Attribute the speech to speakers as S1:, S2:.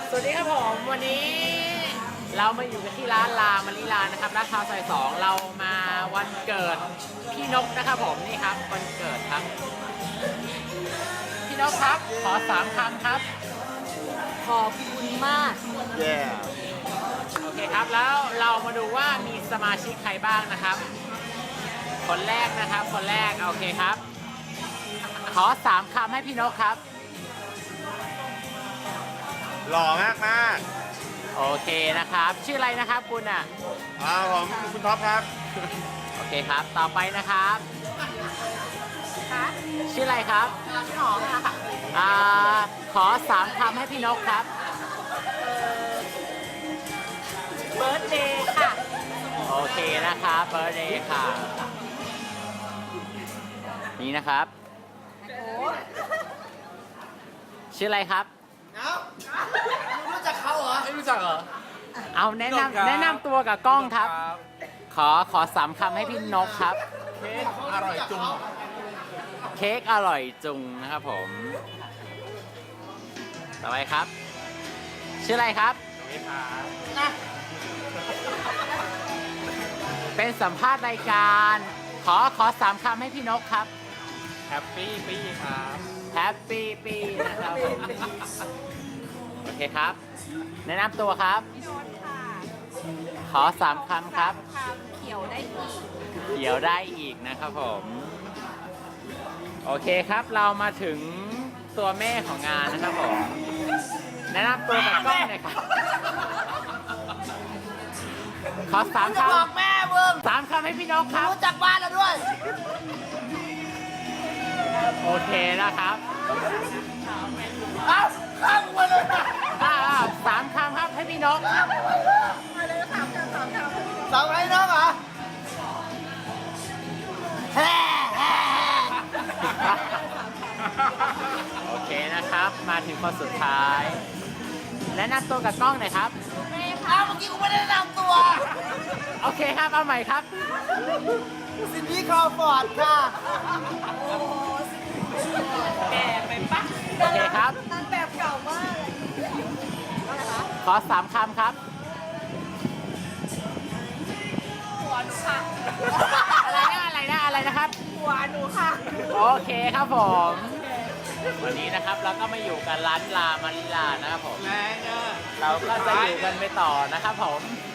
S1: สวัสดีครับผมวันนี้เรามาอยู่กันที่ร้านลามาริลานะครับลาดพร้าวซอย2เรามาวันเกิดพี่นกนะครับผมนี่ครับวันเกิดครับพี่นกครับขอ3 คำครับ
S2: ขอบคุณมาก
S3: Yeah
S1: โอเคครับแล้วเรามาดูว่ามีสมาชิกใครบ้างนะครับคนแรกนะครับคนแรกโอเคครับขอ3 คำให้พี่นกครับ
S3: หล่อมากมาก
S1: โอเคนะครับชื่ออะไรนะครับคุณอ่ะ
S3: ผมคุณท็อปครับ
S1: โอเคครับต่อไปนะครับ
S2: ค่ะ
S1: ชื่ออะไรครับ
S2: พี่หอมค่ะ
S1: ขอ3 คำให้พี่นกครับ
S2: เบิร์ธเดย์ค่ะ
S1: โอเคนะครับเบอร์เดย์ค่ะนี่นะครับ
S2: โอ้
S1: ชื่ออะไรครับ
S3: รู้จักเขาเหรอ
S1: ไม่รู้จักเหรอเอาแนะนำตัวกับกล้องครับ ขอ3 คำให้พี่นกครับ
S3: เค้กอร่อยจุง
S1: เค้กอร่อยจุงนะครับผมต่อไปครับ ชื่ออะไรครับ เป็นสัมภาษณ์รายการขอ3 คำให้พี่นกครับ
S3: แฮปปี้ปี้ครับ
S1: แฮปปี้ปีนะครับผมโอเคครับ แนะนำตัวครับ
S2: พี่โน้ตค่ะ
S1: ขอ3 คำครับ
S2: คำเขียวได้อีก
S1: เดี๋ยวได้อีกนะครับผม โอเคครับเรามาถึงตัวแม่ของงานนะครับผม แนะนำตัวกับกล้องหน่อยครับ ขอ3 ค
S2: บอกแม่มึง
S1: ำ3 คำให้พี่นกครับ
S2: รู้จักบ้านแล้วด้วย
S1: โอเคนะครับ
S2: เอ้าข้ามมาเลยนะ
S1: 3 คำครับให้พี่นก
S2: มาเลย3 คำสองไอ้น้องเหรอแฮ่
S1: โอเคนะครับ มาถึงคนสุดท้าย แนะนำตัวกับกล้องหน่อยครับ
S2: อ้าวเมื่อกี้กูไม่ได้แนะนำตัว
S1: โอเคครับ เอาใหม่ครับ
S2: ซินดี้ครอฟอร์ดค่ะแก่ไปปะ
S1: โอเคครับ
S2: นางแบบเก่ามากเลยอะไรคะ
S1: ขอ3 คำครับ
S2: หัวหนูค่ะ
S1: อะไรนะครับ
S2: หัวหนูค่ะ
S1: โอเคครับผม วันนี้นะครับเราก็มาอยู่กันร้านลามาริลานะครับผม เราก็จะอยู่กันไปต่อนะครับผม